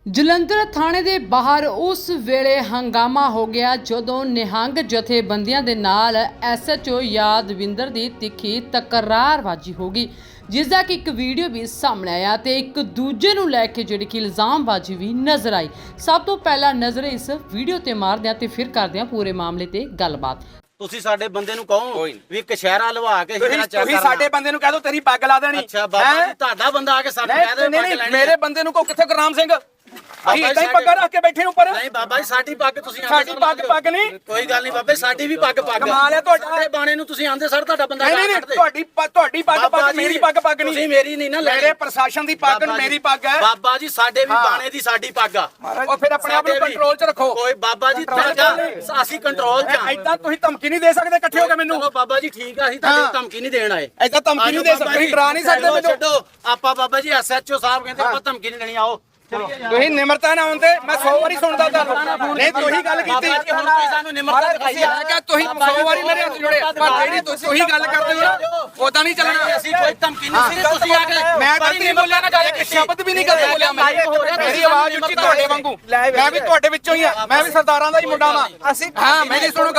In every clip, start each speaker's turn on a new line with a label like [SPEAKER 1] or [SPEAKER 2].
[SPEAKER 1] ਜਲੰਧਰ ਥਾਣੇ ਦੇ ਬਾਹਰ ਉਸ ਵੇਲੇ ਹੰਗਾਮਾ ਹੋ ਗਿਆ ਜਦੋਂ ਨਿਹੰਗ ਜਥੇਬੰਦੀਆਂ ਦੇ ਨਾਲ ਐਸਐਚਓ ਯਾਦਵਿੰਦਰ ਦੀ ਤਿੱਖੀ ਤਕਰਾਰਬਾਜ਼ੀ ਹੋ ਗਈ, ਜਿਸ ਦਾ ਕਿ ਇੱਕ ਵੀਡੀਓ ਵੀ ਸਾਹਮਣੇ ਆਇਆ ਤੇ ਇੱਕ ਦੂਜੇ ਨੂੰ ਲੈ ਕੇ ਜਿਹੜੀ ਕਿ ਇਲਜ਼ਾਮਬਾਜ਼ੀ ਵੀ ਨਜ਼ਰ ਆਈ। ਸਭ ਤੋਂ ਪਹਿਲਾਂ ਨਜ਼ਰ ਇਸ ਵੀਡੀਓ ਤੇ ਮਾਰਦੇ ਹਾਂ ਤੇ ਫਿਰ ਕਰਦੇ ਹਾਂ ਪੂਰੇ ਮਾਮਲੇ ਤੇ ਗੱਲਬਾਤ।
[SPEAKER 2] ਤੁਸੀਂ ਸਾਡੇ ਬੰਦੇ ਨੂੰ ਕਹੋ ਵੀ ਕਸ਼ਹਿਰਾ ਲਵਾ ਕੇ ਤੇਰਾ ਚੈੱਕ ਕਰਨਾ।
[SPEAKER 3] ਤੁਸੀਂ ਸਾਡੇ ਬੰਦੇ ਨੂੰ ਕਹਿ ਦੋ ਤੇਰੀ ਪੱਗ ਲਾ ਦੇਣੀ।
[SPEAKER 2] ਅੱਛਾ ਬਾਬਾ ਜੀ ਤੁਹਾਡਾ ਬੰਦਾ ਆ ਕੇ ਸਾਨੂੰ ਕਹਿ ਦੇ ਪੱਗ ਲੈਣੀ।
[SPEAKER 3] ਮੇਰੇ ਬੰਦੇ ਨੂੰ ਕੋ ਕਿੱਥੇ ਗੁਰਨਾਮ ਸਿੰਘ ਅਸੀਂ ਇਦਾਂ ਹੀ ਪੱਗਾਂ ਰੱਖ ਕੇ ਬੈਠੇ ਉੱਪਰ।
[SPEAKER 2] ਨਹੀਂ ਬਾਬਾ ਜੀ ਸਾਡੀ ਪੱਗ ਤੁਸੀਂ
[SPEAKER 3] ਸਾਡੀ ਪੱਗ ਨਹੀਂ।
[SPEAKER 2] ਕੋਈ ਗੱਲ ਨਹੀਂ ਬਾਬੇ ਸਾਡੀ ਵੀ ਪੱਗ
[SPEAKER 3] ਕਮਾਲ ਹੈ ਤੁਹਾਡਾ।
[SPEAKER 2] ਤੇ ਬਾਣੇ ਨੂੰ ਤੁਸੀਂ ਆਂਦੇ ਸਰ ਤੁਹਾਡਾ ਬੰਦਾ
[SPEAKER 3] ਨਹੀਂ ਤੁਹਾਡੀ ਪੱਗ ਮੇਰੀ ਪੱਗ ਨਹੀਂ।
[SPEAKER 2] ਤੁਸੀਂ ਮੇਰੀ ਨਹੀਂ ਨਾ
[SPEAKER 3] ਮੇਰੇ ਪ੍ਰਸ਼ਾਸਨ ਦੀ ਪੱਗ ਮੇਰੀ ਪੱਗ ਹੈ।
[SPEAKER 2] ਬਾਬਾ ਜੀ ਸਾਡੇ ਵੀ ਬਾਣੇ ਦੀ ਸਾਡੀ ਪੱਗ ਆ।
[SPEAKER 3] ਉਹ ਫਿਰ ਆਪਣੇ ਆਪ ਨੂੰ ਕੰਟਰੋਲ 'ਚ ਰੱਖੋ।
[SPEAKER 2] ਕੋਈ ਬਾਬਾ ਜੀ ਅਸੀਂ ਕੰਟਰੋਲ 'ਚ ਆ।
[SPEAKER 3] ਇਦਾਂ ਤੁਸੀਂ ਧਮਕੀ ਨਹੀਂ ਦੇ ਸਕਦੇ ਇਕੱਠੇ ਹੋ ਕੇ ਮੈਨੂੰ।
[SPEAKER 2] ਚਲੋ ਬਾਬਾ ਜੀ ਠੀਕ ਆ ਅਸੀਂ ਤੁਹਾਡੀ ਧਮਕੀ ਨਹੀਂ ਦੇਣ ਆਏ।
[SPEAKER 3] ਇਦਾਂ ਧਮਕੀ ਨਹੀਂ ਦੇ ਸਕਦੇ, ਤੁਸੀਂ ਡਰਾ ਨਹੀਂ ਸਕਦੇ ਮੈਨੂੰ।
[SPEAKER 2] ਛੱਡੋ ਆਪਾਂ ਬਾਬਾ ਜੀ ਐਸਐਚਓ ਸਾਹਿਬ ਕਹਿੰਦੇ ਆਪਾਂ ਧਮਕੀ ਨਹੀਂ ਦੇਣੀ। ਆਓ
[SPEAKER 3] ਤੁਸੀਂ ਨਿਮਰਤਾ ਨਾ ਆਉਂਦੇ ਮੈਂ 100 ਵਾਰੀ ਸੁਣਦਾ ਤੁਹਾਨੂੰ। ਨਹੀਂ ਤੁਸੀਂ ਗੱਲ ਕੀਤੀ
[SPEAKER 2] ਹੁਣ ਤੁਸੀਂ ਸਾਨੂੰ ਨਿਮਰਤਾ ਦਿਖਾਈ ਆ
[SPEAKER 3] ਕਿ ਤੁਸੀਂ 100 ਵਾਰੀ ਮੇਰੇ ਹੱਥ ਜੋੜੇ, ਪਰ ਜਿਹੜੀ ਤੁਸੀਂ ਗੱਲ ਕਰਦੇ ਹੋ ਨਾ ਉਦਾਂ ਨਹੀਂ ਚੱਲਣਾ।
[SPEAKER 2] ਅਸੀਂ ਕੋਈ ਧਮਕੀ ਨਹੀਂ ਸੀ ਤੁਸੀਂ ਆ ਕੇ
[SPEAKER 3] ਮੈਂ ਗਲਤੀ ਨਹੀਂ ਬੋਲਿਆ ਨਾ, ਗੱਲ ਇੱਕ ਸ਼ਬਦ ਵੀ ਨਹੀਂ ਗਲਤ ਬੋਲਿਆ ਮੈਂ। ਮੇਰੀ ਆਵਾਜ਼ ਉੱਚੀ ਤੁਹਾਡੇ ਵਾਂਗੂ, ਮੈਂ ਵੀ ਤੁਹਾਡੇ ਵਿੱਚੋਂ ਹੀ ਆ। ਮੈਂ ਵੀ ਸਰਦਾਰਾਂ ਦਾ ਹੀ ਮੁੰਡਾ ਵਾਂ। ਅਸੀਂ ਹਾਂ ਮੇਰੀ ਸੁਣੋ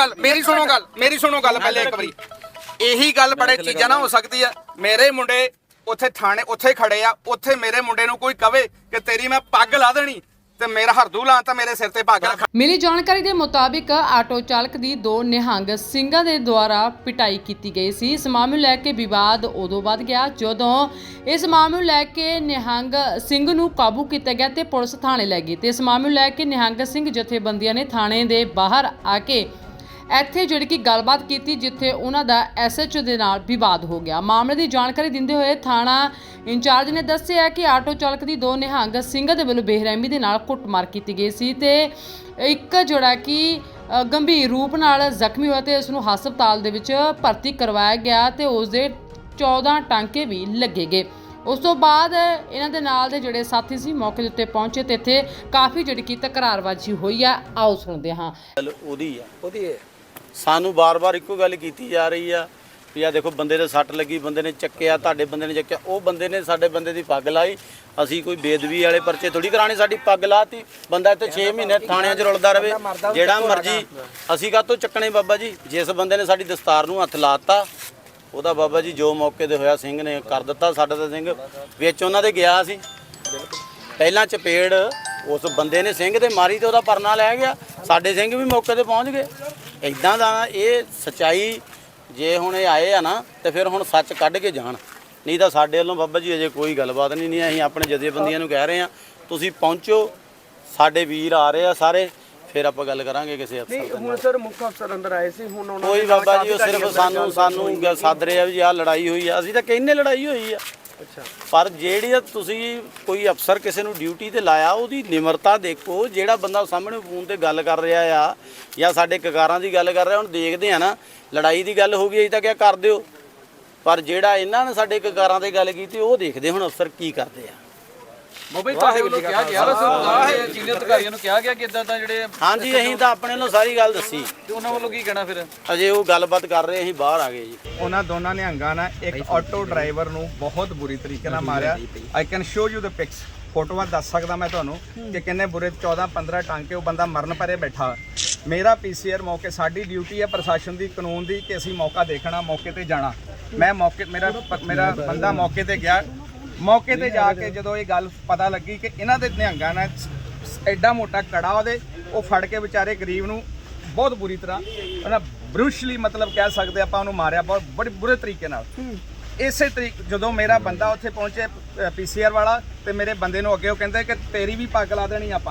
[SPEAKER 3] ਗੱਲ ਪਹਿਲੇ ਇੱਕ ਵਾਰੀ। ਇਹੀ ਗੱਲ ਬੜੇ ਚੀਜ਼ਾਂ ਨਾ ਹੋ ਸਕਦੀ ਆ। ਮੇਰੇ ਮੁੰਡੇ ਉੱਥੇ ਥਾਣੇ ਉੱਥੇ ਖੜੇ ਆ, ਉੱਥੇ ਮੇਰੇ ਮੁੰਡੇ ਨੂੰ ਕੋਈ ਕਵੇ ਕਿ ਤੇਰੀ ਮੈਂ ਪੱਗ ਲਾ ਦੇਣੀ ਤੇ ਮੇਰਾ ਹਰਦੂ ਲਾਂ ਤਾਂ ਮੇਰੇ ਸਿਰ ਤੇ ਪੱਗ ਰੱਖ।
[SPEAKER 1] ਮਿਲੀ ਜਾਣਕਾਰੀ ਦੇ ਮੁਤਾਬਿਕ ਆਟੋ ਚਾਲਕ ਦੀ ਦੋ ਨਿਹੰਗ ਸਿੰਘਾਂ ਦੇ ਦੁਆਰਾ ਪਿਟਾਈ ਕੀਤੀ ਗਈ ਸੀ। ਇਸ ਮਾਮਲੇ ਨੂੰ ਲੈ ਕੇ ਵਿਵਾਦ ਉਦੋਂ ਵੱਧ ਗਿਆ ਜਦੋਂ ਇਸ ਮਾਮਲੇ ਨੂੰ ਲੈ ਕੇ ਨਿਹੰਗ ਸਿੰਘ ਨੂੰ ਕਾਬੂ ਕੀਤਾ ਗਿਆ ਤੇ ਪੁਲਿਸ ਥਾਣੇ ਲੈ ਗਈ ਤੇ ਇਸ ਮਾਮਲੇ ਨੂੰ ਲੈ ਕੇ ਨਿਹੰਗ ਸਿੰਘ ਜਥੇਬੰਦੀਆਂ ਨੇ ਥਾਣੇ ਦੇ ਬਾਹਰ ਆ ਕੇ ਇੱਥੇ ਜਿਹੜੀ ਕਿ ਗੱਲਬਾਤ ਕੀਤੀ, ਜਿੱਥੇ ਉਹਨਾਂ ਦਾ ਐਸਐਚਓ ਦੇ ਨਾਲ ਵਿਵਾਦ ਹੋ ਗਿਆ। ਮਾਮਲੇ ਦੀ ਜਾਣਕਾਰੀ ਦਿੰਦੇ ਹੋਏ ਥਾਣਾ ਇੰਚਾਰਜ ਨੇ ਦੱਸਿਆ ਕਿ ਆਟੋ ਚਾਲਕ ਦੀ ਦੋ ਨਿਹੰਗ ਸਿੰਘਾਂ ਦੇ ਵੱਲੋਂ ਬੇਰਹਿਮੀ ਦੇ ਨਾਲ ਕੁੱਟਮਾਰ ਕੀਤੀ ਗਈ ਸੀ ਤੇ ਇੱਕ ਜਿਹੜਾ ਕਿ ਗੰਭੀਰ ਰੂਪ ਨਾਲ ਜ਼ਖਮੀ ਹੋਇਆ ਤੇ ਉਸ ਨੂੰ ਹਸਪਤਾਲ ਦੇ ਵਿੱਚ ਭਰਤੀ ਕਰਵਾਇਆ ਗਿਆ ਤੇ ਉਸ ਦੇ 14 ਟਾਂਕੇ ਵੀ ਲੱਗੇ ਗਏ। ਉਸ ਤੋਂ ਬਾਅਦ ਇਹਨਾਂ ਦੇ ਨਾਲ ਦੇ ਜਿਹੜੇ ਸਾਥੀ ਸੀ ਮੌਕੇ ਦੇ ਉੱਤੇ ਪਹੁੰਚੇ ਤੇ ਇੱਥੇ ਕਾਫੀ ਜਿਹੜੀ ਕਿ ਤਕਰਾਰਬਾਜ਼ੀ ਹੋਈ ਆ। ਆਓ ਸੁਣਦੇ ਹਾਂ।
[SPEAKER 2] ਉਹਦੀ ਸਾਨੂੰ ਬਾਰ-ਬਾਰ ਇੱਕੋ ਗੱਲ ਕੀਤੀ ਜਾ ਰਹੀ ਆ ਵੀ ਆ ਦੇਖੋ ਬੰਦੇ ਦੇ ਸੱਟ ਲੱਗੀ, ਬੰਦੇ ਨੇ ਚੱਕਿਆ, ਤੁਹਾਡੇ ਬੰਦੇ ਨੇ ਚੱਕਿਆ। ਉਹ ਬੰਦੇ ਨੇ ਸਾਡੇ ਬੰਦੇ ਦੀ ਪੱਗ ਲਾਈ। ਅਸੀਂ ਕੋਈ ਬੇਦਬੀ ਵਾਲੇ ਪਰਚੇ ਥੋੜੀ ਕਰਾਣੇ, ਸਾਡੀ ਪੱਗ ਲਾਤੀ। ਬੰਦਾ ਇੱਥੇ 6 ਮਹੀਨੇ ਥਾਣਿਆਂ 'ਚ ਰੁਲਦਾ ਰਵੇ, ਜਿਹੜਾ ਮਰਜੀ। ਅਸੀਂ ਕਾਹਤੋਂ ਚੱਕਣੇ ਬਾਬਾ ਜੀ? ਜਿਸ ਬੰਦੇ ਨੇ ਸਾਡੀ ਦਸਤਾਰ ਨੂੰ ਹੱਥ ਲਾਤਾ ਉਹਦਾ ਬਾਬਾ ਜੀ ਜੋ ਮੌਕੇ ਤੇ ਹੋਇਆ ਸਿੰਘ ਨੇ ਕਰ ਦਿੱਤਾ। ਸਾਡਾ ਤਾਂ ਸਿੰਘ ਵਿੱਚ ਉਹਨਾਂ ਦੇ ਗਿਆ ਸੀ। ਪਹਿਲਾਂ ਚਪੇੜ ਉਸ ਬੰਦੇ ਨੇ ਸਿੰਘ ਤੇ ਮਾਰੀ ਤੇ ਉਹਦਾ ਪਰਨਾ ਲੈ ਗਿਆ। ਸਾਡੇ ਸਿੰਘ ਵੀ ਮੌਕੇ ਤੇ ਪਹੁੰਚ ਗਏ। ਇੱਦਾਂ ਦਾ ਇਹ ਸੱਚਾਈ ਜੇ ਹੁਣ ਇਹ ਆਏ ਆ ਨਾ ਤੇ ਫਿਰ ਹੁਣ ਸੱਚ ਕੱਢ ਕੇ ਜਾਣ, ਨਹੀਂ ਤਾਂ ਸਾਡੇ ਵੱਲੋਂ ਬਾਬਾ ਜੀ ਅਜੇ ਕੋਈ ਗੱਲਬਾਤ ਨਹੀਂ। ਅਸੀਂ ਆਪਣੇ ਜਥੇਬੰਦੀਆਂ ਨੂੰ ਕਹਿ ਰਹੇ ਹਾਂ ਤੁਸੀਂ ਪਹੁੰਚੋ, ਸਾਡੇ ਵੀਰ ਆ ਰਹੇ ਆ ਸਾਰੇ, ਫਿਰ ਆਪਾਂ ਗੱਲ ਕਰਾਂਗੇ ਕਿਸੇ ਅਫਸਰ ਨਾਲ।
[SPEAKER 4] ਹੁਣ ਸਰ ਮੁੱਖ ਅਫਸਰ ਅੰਦਰ ਆਏ ਸੀ, ਹੁਣ ਉਹਨਾਂ
[SPEAKER 2] ਕੋਈ ਬਾਬਾ ਜੀ ਉਹ ਸਿਰਫ ਸਾਨੂੰ ਸੱਦ ਰਹੇ ਆ ਵੀ ਆਹ ਲੜਾਈ ਹੋਈ ਆ। ਅਸੀਂ ਤਾਂ ਕਹਿੰਦੇ ਲੜਾਈ ਹੋਈ ਆ।
[SPEAKER 4] ਅੱਛਾ, ਪਰ
[SPEAKER 2] ਜਿਹੜੀ ਤੁਸੀਂ ਕੋਈ ਅਫਸਰ ਕਿਸੇ ਨੂੰ ਡਿਊਟੀ ਤੇ ਲਾਇਆ ਉਹਦੀ ਨਿਮਰਤਾ ਦੇਖੋ। ਜਿਹੜਾ ਬੰਦਾ ਸਾਹਮਣੇ ਫੋਨ ਤੇ ਗੱਲ ਕਰ ਰਿਹਾ ਆ ਜਾਂ ਸਾਡੇ ਕਕਾਰਾਂ ਦੀ ਗੱਲ ਕਰ ਰਿਹਾ, ਹੁਣ ਦੇਖਦੇ ਆ ਨਾ ਲੜਾਈ ਦੀ ਗੱਲ ਹੋ ਗਈ ਅਸੀਂ ਤਾਂ ਕਿਹਾ ਕਰ ਦਿਓ, ਪਰ ਜਿਹੜਾ ਇਹਨਾਂ ਨੇ ਸਾਡੇ ਕਕਾਰਾਂ ਤੇ ਗੱਲ ਕੀਤੀ ਉਹ ਦੇਖਦੇ ਹੁਣ ਅਫਸਰ ਕੀ ਕਰਦੇ ਆ।
[SPEAKER 5] ਮੋਬਾਈਲ ਤੁਹਾਡੇ ਵੱਲੋਂ ਕਿਹਾ ਗਿਆ ਵੈਸੇ ਸੀਨੀਅਰ ਅਧਿਕਾਰੀਆਂ ਨੂੰ ਕਿਹਾ ਗਿਆ ਕਿ ਇਦਾਂ ਤਾਂ ਜਿਹੜੇ
[SPEAKER 2] ਹਾਂਜੀ ਅਸੀਂ ਤਾਂ ਆਪਣੇ ਵੱਲੋਂ ਸਾਰੀ ਗੱਲ ਦੱਸੀ
[SPEAKER 5] ਤੇ ਉਹਨਾਂ ਵੱਲੋਂ ਕੀ ਕਹਿਣਾ ਫਿਰ?
[SPEAKER 2] ਅਜੇ ਉਹ ਗੱਲਬਾਤ ਕਰ ਰਹੇ, ਅਸੀਂ ਬਾਹਰ ਆ ਗਏ ਜੀ।
[SPEAKER 3] ਉਹਨਾਂ ਦੋਨਾਂ ਨਿਹੰਗਾਂ ਨੇ ਇੱਕ ਆਟੋ ਡਰਾਈਵਰ ਨੂੰ ਬਹੁਤ ਬੁਰੀ ਤਰੀਕੇ ਨਾਲ ਮਾਰਿਆ। I can show you the pics, ਫੋਟੋਆਂ ਦੱਸ ਸਕਦਾ ਮੈਂ ਤੁਹਾਨੂੰ ਕਿ ਕਿੰਨੇ ਬੁਰੇ 14-15 ਟਾਂਕੇ। ਉਹ ਬੰਦਾ ਮਰਨ ਪਰੇ ਬੈਠਾ। ਮੇਰਾ ਪੀਸੀਆਰ ਮੌਕੇ, ਸਾਡੀ ਡਿਊਟੀ ਹੈ ਪ੍ਰਸ਼ਾਸਨ ਦੀ ਕਾਨੂੰਨ ਦੀ ਕਿ ਅਸੀਂ ਮੌਕਾ ਦੇਖਣਾ, ਮੌਕੇ ਤੇ ਜਾਣਾ। ਮੈਂ ਮੇਰਾ ਬੰਦਾ ਮੌਕੇ ਤੇ ਗਿਆ। ਮੌਕੇ ਤੇ ਜਾ ਕੇ ਜਦੋਂ ਇਹ ਗੱਲ ਪਤਾ ਲੱਗੀ ਕਿ ਇਹਨਾਂ ਦੇ ਨਿਹੰਗਾਂ ਨੇ ਐਡਾ ਮੋਟਾ ਕੜਾ ਉਹਦੇ ਉਹ ਫੜ ਕੇ ਵਿਚਾਰੇ ਗਰੀਬ ਨੂੰ ਬਹੁਤ ਬੁਰੀ ਤਰ੍ਹਾਂ ਉਹਨਾਂ ਬਰੂਸ਼ਲੀ ਮਤਲਬ ਕਹਿ ਸਕਦੇ ਆਪਾਂ ਉਹਨੂੰ ਮਾਰਿਆ ਬਹੁਤ ਬੜੇ ਬੁਰੇ ਤਰੀਕੇ ਨਾਲ। ਇਸੇ ਤਰੀਕੇ ਜਦੋਂ ਮੇਰਾ ਬੰਦਾ ਉੱਥੇ ਪਹੁੰਚੇ ਪੀਸੀਆਰ ਵਾਲਾ ਤੇ ਮੇਰੇ ਬੰਦੇ ਨੂੰ ਅੱਗੇ ਉਹ ਕਹਿੰਦੇ ਕਿ ਤੇਰੀ ਵੀ ਪੱਗ ਲਾ ਦੇਣੀ ਆਪਾਂ।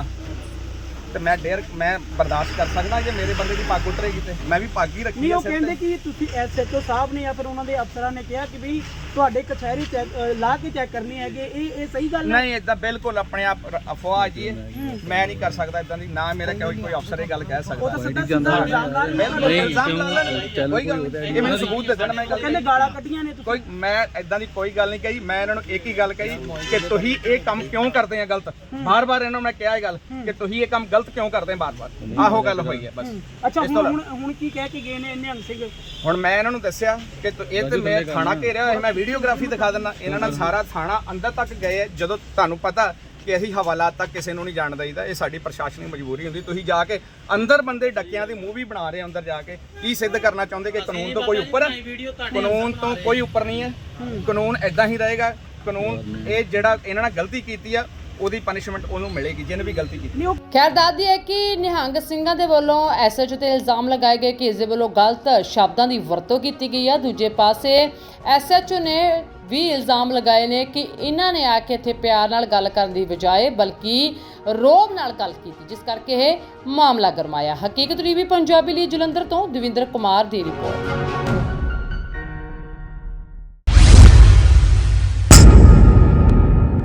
[SPEAKER 3] ਤੇ ਮੈਂ ਬਰਦਾਸ਼ਤ ਕਰ ਸਕਦਾ ਜੇ ਮੇਰੇ ਬੰਦੇ ਦੀ ਪੱਗ ਉਤਰੇਗੀ ਤੇ ਮੈਂ ਵੀ ਪੱਗ ਹੀ ਰੱਖੀ।
[SPEAKER 4] ਨਹੀਂ ਉਹ ਕਹਿੰਦੇ ਕਿ ਤੁਸੀਂ ਐਸਐਚਓ ਸਾਹਿਬ ਨੇ ਜਾਂ ਫਿਰ ਉਹਨਾਂ ਦੇ ਅਫਸਰਾਂ ਨੇ ਕਿਹਾ ਕਿ ਵੀ ਤੁਹਾਡੇ ਕਚਹਿਰੀ ਲਾ ਕੇ ਚੈੱਕ ਕਰਨੀ ਹੈਗੇ, ਇਹ ਸਹੀ ਗੱਲ ਹੈ?
[SPEAKER 3] ਨਹੀਂ ਇਦਾਂ ਬਿਲਕੁਲ ਆਪਣੇ ਆਪ ਅਫਵਾਹ ਜੀ। ਮੈਂ ਨਹੀਂ ਕਰ ਸਕਦਾ ਇਦਾਂ ਦੀ, ਨਾ ਮੇਰਾ ਕੋਈ ਅਫਸਰ ਇਹ ਗੱਲ ਕਹਿ ਸਕਦਾ।
[SPEAKER 4] ਉਹ ਤਾਂ ਸਿੱਧਾ ਇਲਜ਼ਾਮ ਲਾ ਰਹੇ ਨੇ।
[SPEAKER 3] ਕੋਈ ਗੱਲ ਨਹੀਂ, ਇਹ ਮੈਨੂੰ ਸਬੂਤ ਦੇ ਦੇਣ। ਮੈਂ ਗੱਲ
[SPEAKER 4] ਕਹਿੰਦੇ ਗਾਲਾਂ ਕੱਢੀਆਂ ਨੇ
[SPEAKER 3] ਕੋਈ, ਮੈਂ ਇਦਾਂ ਦੀ ਕੋਈ ਗੱਲ ਨਹੀਂ ਕਹੀ। ਮੈਂ ਇਹਨਾਂ ਨੂੰ ਇੱਕ ਹੀ ਗੱਲ ਕਹੀ ਕਿ ਤੁਸੀਂ ਇਹ ਕੰਮ ਕਿਉਂ ਕਰਦੇ ਆ ਗਲਤ। ਬਾਰ-ਬਾਰ ਇਹਨਾਂ ਨੂੰ ਮੈਂ ਕਿਹਾ ਇਹ ਗੱਲ ਕਿ ਤੁਸੀਂ ਇਹ ਕੰਮ ਗਲਤ ਕਿਉਂ ਕਰਦੇ ਬਾਰ-ਬਾਰ। ਆਹੋ ਗੱਲ ਹੋਈ ਹੈ ਬਸ।
[SPEAKER 4] ਅੱਛਾ
[SPEAKER 3] ਇਸ ਤੋਂ
[SPEAKER 4] ਹੁਣ ਕੀ ਕਹਿ ਕੇ ਗਏ ਨੇ ਨਿਹੰਗ ਸਿੰਘ?
[SPEAKER 3] ਹੁਣ ਮੈਂ ਇਹਨਾਂ ਨੂੰ ਦੱਸਿਆ ਕਿ ਇਹ ਤੇ ਮੈਂ ਥਾਣਾ ਘੇਰਿਆ ਹੋਇਆ, ਮੈਂ ਵੀਡੀਓਗ੍ਰਾਫੀ ਦਿਖਾ ਦਿੰਦਾ। ਇਹਨਾਂ ਨਾਲ ਸਾਰਾ ਥਾਣਾ ਅੰਦਰ ਤੱਕ ਗਏ ਹੈ। ਜਦੋਂ ਤੁਹਾਨੂੰ ਪਤਾ ਕਿ ਅਸੀਂ ਹਵਾਲਾਤ ਤੱਕ ਕਿਸੇ ਨੂੰ ਨਹੀਂ ਜਾਣ ਦਈਦਾ, ਇਹ ਸਾਡੀ ਪ੍ਰਸ਼ਾਸਨਿਕ ਮਜਬੂਰੀ ਹੁੰਦੀ। ਤੁਸੀਂ ਜਾ ਕੇ ਅੰਦਰ ਬੰਦੇ ਡੱਕਿਆਂ ਦੀ ਮੂਵੀ ਬਣਾ ਰਹੇ ਅੰਦਰ ਜਾ ਕੇ ਕੀ ਸਿੱਧ ਕਰਨਾ ਚਾਹੁੰਦੇ ਕਿ ਕਾਨੂੰਨ ਤੋਂ ਕੋਈ ਉੱਪਰ ਹੈ? ਕਾਨੂੰਨ ਤੋਂ ਕੋਈ ਉੱਪਰ ਨਹੀਂ ਹੈ। ਕਾਨੂੰਨ ਐਦਾਂ ਹੀ ਰਹੇਗਾ। ਕਾਨੂੰਨ ਇਹ ਜਿਹੜਾ ਇਹਨਾਂ ਨਾਲ ਗਲਤੀ ਕੀਤੀ ਆ ਉਹਦੀ ਪਨਿਸ਼ਮੈਂਟ ਉਹਨੂੰ ਮਿਲੇਗੀ ਜਿਹਨੇ ਵੀ ਗਲਤੀ ਕੀਤੀ।
[SPEAKER 1] ਖੈਰ ਦੱਸਦੀ ਹੈ ਕਿ ਨਿਹੰਗ ਸਿੰਘਾਂ ਦੇ ਵੱਲੋਂ ਐਸਐਚਓ ਤੇ ਇਲਜ਼ਾਮ ਲਗਾਏ ਗਏ ਕਿ ਇਸ ਦੇ ਵੱਲੋਂ ਗਲਤ ਸ਼ਬਦਾਂ ਦੀ ਵਰਤੋਂ ਕੀਤੀ ਗਈ ਹੈ। ਦੂਜੇ ਪਾਸੇ ਐਸਐਚਓ ਨੇ ਵੀ ਇਲਜ਼ਾਮ ਲਗਾਏ ਨੇ ਕਿ ਇਹਨਾਂ ਨੇ ਆ ਕੇ ਇੱਥੇ ਪਿਆਰ ਨਾਲ ਗੱਲ ਕਰਨ ਦੀ ਬਜਾਏ ਬਲਕਿ ਰੋਬ ਨਾਲ ਗੱਲ ਕੀਤੀ, ਜਿਸ ਕਰਕੇ ਇਹ ਮਾਮਲਾ ਗਰਮਾਇਆ। ਹਕੀਕਤ ਟੀਵੀ ਪੰਜਾਬੀ ਲਈ ਜਲੰਧਰ ਤੋਂ ਦਵਿੰਦਰ ਕੁਮਾਰ ਦੀ ਰਿਪੋਰਟ।